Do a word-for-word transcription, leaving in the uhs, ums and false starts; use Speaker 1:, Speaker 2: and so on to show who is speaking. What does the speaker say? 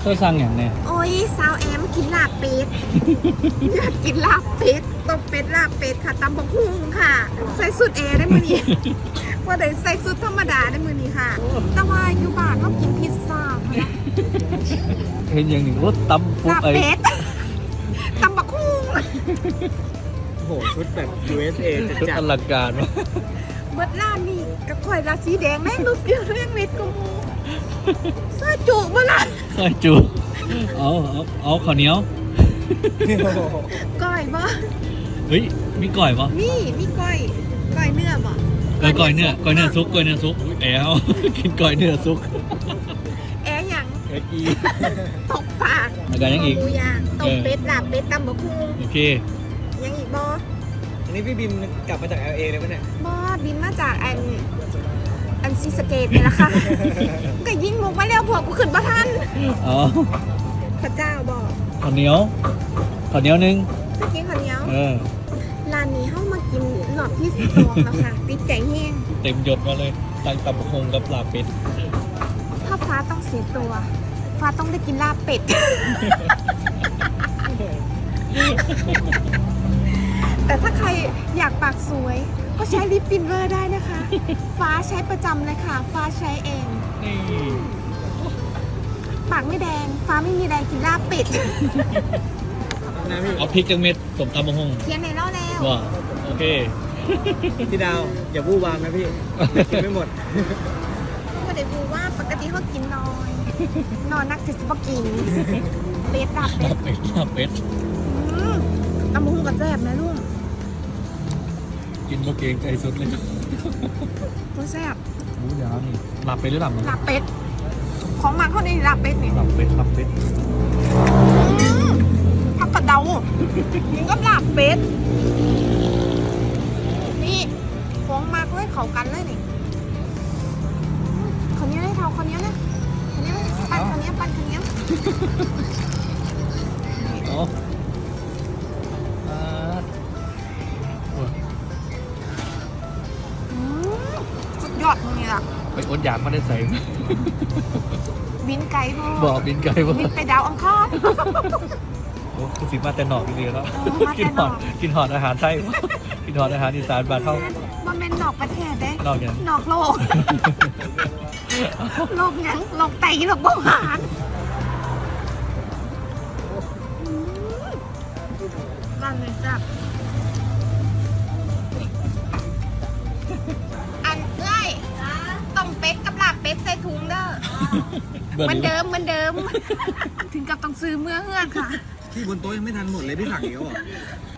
Speaker 1: ตัวสั่งอย่างเนี้ย
Speaker 2: โอ้ยสาวแอมกินลาบเป็ด อยากกินลาบเป็ดต้มเป็ดลาบเป็ดค่ะตำบักหุ่งค่ะ ใส่สุดเอได้มือนี้ ว่าได้ใส่สุดธรรมดาได้มือนี้ค่ะ แต่ว่าอยู่บ้านเขากินพิซซ่าค่ะ
Speaker 1: เห็นอย่างหนึ่งรถตำปุ๊บ
Speaker 2: ลาบ
Speaker 1: ไอ้
Speaker 2: เป็ด ตำบักหุ่ง
Speaker 3: โอ้โหชุดแบบ ยู เอส เอ จะ
Speaker 1: ชุด
Speaker 3: จั
Speaker 1: อ
Speaker 3: ด
Speaker 1: ลังการวะ
Speaker 2: เบิดร้านนี่กระข่อยราสีแดงแม่งรูปเดียวเรื่องมิดกูซอยจุบ่ล่ะ
Speaker 1: ซอยจูเอาเอาเอาข้าวเหนียว
Speaker 2: ก้อยบ่
Speaker 1: เฮ้ยมีก่อยปะ
Speaker 2: นี่มีก้อยก้อยเนื้อบ่
Speaker 1: เออก่อยเนื้อก่อยเนื้อซุกก่อยเนื้อซุกแอล กินก่อยเนื้อซุก
Speaker 2: แอะหยัง
Speaker 3: เอ็กอี
Speaker 2: ตกปาก
Speaker 1: แล้วกันยังอีก
Speaker 2: หมูย่างต้มเป็ดลาบเป็ดตำบักหุ่ง
Speaker 1: โอเค
Speaker 2: ยังอีกบ่
Speaker 3: อันนี้พี่บิมกลับมาจาก แอล เอ เลยปะเนี่ย
Speaker 2: บ่บินมาจากอันอันซีสะเกตนี่แหละค่ะ ก็ยิงมุกมาแล้วพวกกูขึ้นบ่ทัน
Speaker 1: อ๋อ
Speaker 2: พระเจ้าบอก
Speaker 1: ข้าวเหนียวข้าวเหนียวหนึง
Speaker 2: เมื่อกี้คนเหนียว
Speaker 1: เออ
Speaker 2: ร้านนี้เฮามากินรอบที่สองแล้วค่ะ ติดใจแห้ง
Speaker 1: เต็มยศมาเลยตั้งตำบักหงกับลาบเป็ด
Speaker 2: ถ้าฟ้าต้องเสียตัว ฟ้าต้องได้กินลาบเป็ด แต่ถ้าใครอยากปากสวย ก็ใช้ลิปฟินเวอร์ได้นะคะ ฟ้าใช้ประจำเลยค่ะ ฟ้าใช้เอง
Speaker 1: นี่
Speaker 2: ปากไม่แดง ฟ้าไม่มีแดงกินลาบเป็ด
Speaker 3: นะพี่
Speaker 1: เอาพริกจังเม็ดสมตำบักหง
Speaker 2: เทียนในเล่าแล้ว
Speaker 1: ว่าโอเค
Speaker 3: พี่ดาว อย่าวู่วามนะพี่ กินไม่หมด
Speaker 2: ก็ได้รู้ว่าปกติเขากินน้อย นอนนักเสร็จสิบกิน เป็ดลาบเป็
Speaker 1: ลา
Speaker 2: ด
Speaker 1: บเป็ดลาบเป็ด
Speaker 2: อืมตำบักหุ่งกับแซ่บนะลุง
Speaker 1: กินมาเกรงใจสุดเลย
Speaker 2: ก็แซ่บ
Speaker 1: หมูยาวนี่ลาบเป็ดหรือลาบหมู
Speaker 2: ลาบเป็ด ของมันเขาในลาบเป็ดนี่
Speaker 1: ลาบเป็ดลาบเป็ด
Speaker 2: อืมผักกระเดานี่ก็ลาบเป็ด นี่ของมากเลยเขากันเลยนี่คนนี้ได้เท่าคนนี้นะคนนี้ปั้นคนนี้ปั้นคนนี้
Speaker 1: อ๋ออ่าโอ้ย
Speaker 2: อืมสุดยอดตรงนี้ล่ะ
Speaker 1: ไปอดอยากมาได้ใส่
Speaker 2: บินไก่พ่อ
Speaker 1: บอกบินไก่ว่า
Speaker 2: บินไปดาวอังคาร
Speaker 1: โอ้คือสิมาแต่หนอกดีๆแล้ว
Speaker 2: เออมาแต่
Speaker 1: กิน
Speaker 2: ห
Speaker 1: ห
Speaker 2: น
Speaker 1: อ
Speaker 2: อ
Speaker 1: ด
Speaker 2: ก
Speaker 1: กินหอดอาหารไทย กินหอดอาหารอีสานบานเท่า
Speaker 2: มันเป็นนอกประเทศเด้
Speaker 1: นอกอย่าง
Speaker 2: นอกโลก โลกหยังโลกไตโลกเบาหวานอืมร้านนี้จ้ะอันเอ้ยต้มเป็ดกับลาบเป็ดใส่ถุงเด้อเหมือนเดิมเหมือนเดิม ถึงกับต้องซื้อเมื่อเฮือกค่ะ
Speaker 3: ที่บนโต๊ะยังไม่ทันหมดเลยพี่สั่งอีกแล้วเหรอ